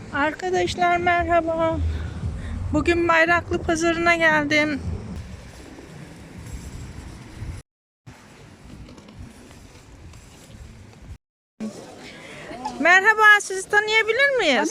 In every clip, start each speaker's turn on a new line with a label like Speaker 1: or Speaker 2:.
Speaker 1: Arkadaşlar merhaba. Bugün Bayraklı Pazarı'na geldim. Merhaba, sizi tanıyabilir miyiz?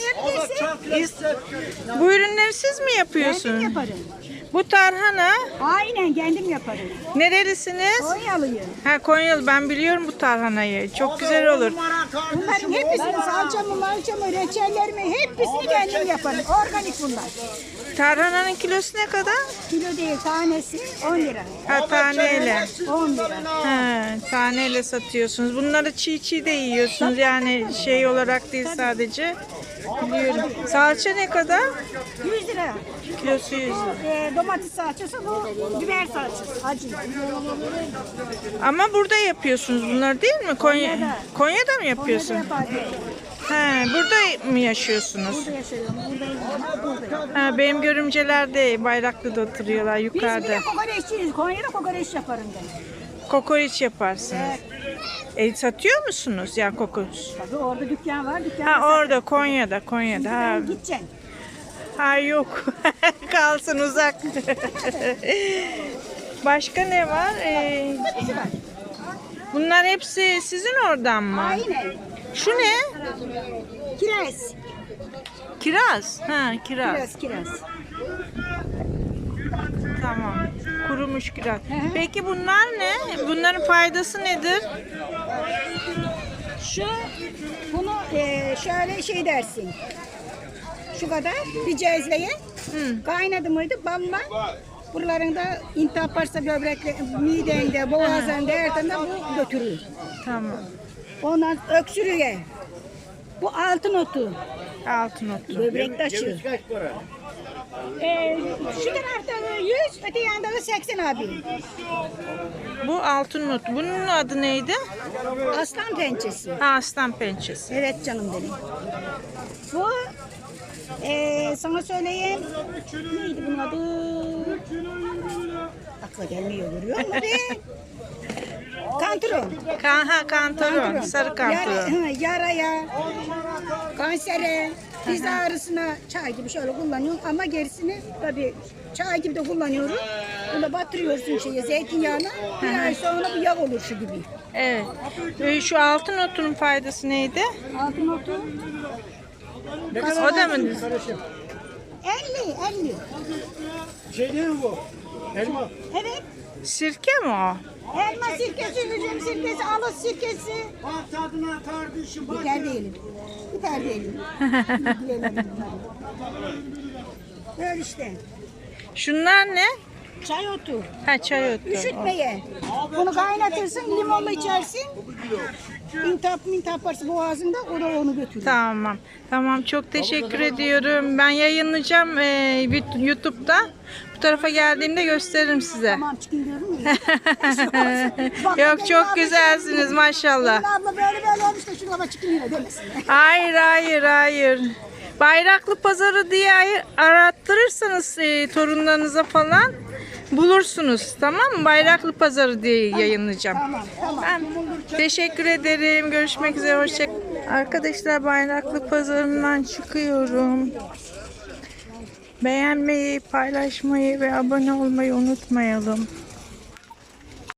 Speaker 1: Bu ürünleri siz mi yapıyorsunuz?
Speaker 2: Kendim yaparım.
Speaker 1: Bu tarhana.
Speaker 2: Aynen kendim yaparım.
Speaker 1: Nerelisiniz?
Speaker 2: Konyalıyım.
Speaker 1: Ha, Konyalı. Ben biliyorum bu tarhanayı. Çok güzel olur.
Speaker 2: Bunların hepsini salçamı, malçamı, reçellerimi hepsini kendim yaparım. Organik bunlar.
Speaker 1: Tarhananın kilosu ne kadar?
Speaker 2: Kilo değil tanesi 10 lira.
Speaker 1: Ha, taneyle.
Speaker 2: 10 lira.
Speaker 1: Ha, taneyle satıyorsunuz. Bunları çiğ de yiyorsunuz. Yani şey olarak değil sadece. Biliyorum. Salça ne kadar?
Speaker 2: 100 lira.
Speaker 1: Kilosu 100 lira.
Speaker 2: Domates salçası, bu biber salçası. Acı.
Speaker 1: Ama burada yapıyorsunuz bunları değil mi? Konya'da mı
Speaker 2: Konya'da
Speaker 1: yapıyorsun?
Speaker 2: yaparım.
Speaker 1: Ha, burada mı yaşıyorsunuz?
Speaker 2: Burada yaşıyorum. Buradayım.
Speaker 1: Ha, benim görümceler de Bayraklı'da oturuyorlar
Speaker 2: Biz
Speaker 1: yukarıda.
Speaker 2: bile kokoreççiyiz. Konya'da kokoreç yaparım ben.
Speaker 1: Kokoreç yaparsınız. Satıyor musunuz ya kokoreç?
Speaker 2: Tabii orada dükkan var.
Speaker 1: Ha, orada Konya'da. Ha,
Speaker 2: Gideceksin.
Speaker 1: ha yok. Kalsın uzak. Başka ne var?
Speaker 2: Hepsi var.
Speaker 1: Bunlar hepsi sizin oradan mı?
Speaker 2: Aynen.
Speaker 1: Şu ne?
Speaker 2: Kiraz.
Speaker 1: Kiraz. Ha, kiraz.
Speaker 2: Kiraz.
Speaker 1: Tamam. Kurumuş kiraz.
Speaker 2: hı.
Speaker 1: Peki bunlar ne? Bunların faydası nedir?
Speaker 2: Bunu şöyle şey dersin. Şu kadar bir cezveye kaynadı mıydı balla buralarında intihap varsa böbrekle, midende, boğazında, her tarafında bu götürür.
Speaker 1: Tamam.
Speaker 2: Ondan öksürüğe. Bu altın otu.
Speaker 1: Altın otu.
Speaker 2: Böbrek taşı. Şu tarafta 100, öte yanda da 80 abi.
Speaker 1: Bu altın otu. Bunun adı neydi?
Speaker 2: Aslan pençesi.
Speaker 1: Ha, aslan pençesi.
Speaker 2: Evet canım benim. Bu sana söyleyeyim. Neydi bunun adı? Akla gelmiyor, görüyor musun be? Kantaron.
Speaker 1: Kantaron. Sarı kantaron.
Speaker 2: Yaraya, kansere, diz ağrısına çay gibi şöyle kullanıyorum ama gerisini tabii çay gibi de kullanıyorum. Bunu batırıyorsun zeytinyağına. Bir ay sonra bu yağ olur şu gibi.
Speaker 1: Evet. Şu altın otunun faydası neydi?
Speaker 2: Altın otu.
Speaker 1: O da mı?
Speaker 2: 50.
Speaker 3: Şey değil mi bu? Elma.
Speaker 2: Evet.
Speaker 1: Sirke mi o?
Speaker 2: Elma sirkesi, üzüm sirkesi, alıç sirkesi.
Speaker 3: Bak tadına kardeşim. Bak.
Speaker 2: Biber değilim. Biber değilim. Böyle işte.
Speaker 1: Şunlar ne?
Speaker 2: Çay otu.
Speaker 1: Ha, çay otu.
Speaker 2: Üşütmeye. Bunu kaynatırsın, limonla içersin. İntihap varsa boğazında, o da onu götürür.
Speaker 1: Tamam. Tamam, çok teşekkür ediyorum. Ben yayınlayacağım YouTube'da. Bu tarafa geldiğimde gösteririm size.
Speaker 2: Tamam, çıkın diyorum ya.
Speaker 1: Yok, çok güzelsiniz maşallah.
Speaker 2: Abla böyle olmuş da şuna bak çıkın yine demesin.
Speaker 1: Hayır. Bayraklı Pazarı diye arattırırsanız torunlarınıza falan bulursunuz. Tamam mı? Bayraklı Pazarı diye yayınlayacağım.
Speaker 2: Tamam.
Speaker 1: Ben teşekkür ederim. Görüşmek üzere. Hoşçakalın. Arkadaşlar, Bayraklı Pazarı'ndan çıkıyorum. Beğenmeyi, paylaşmayı ve abone olmayı unutmayalım.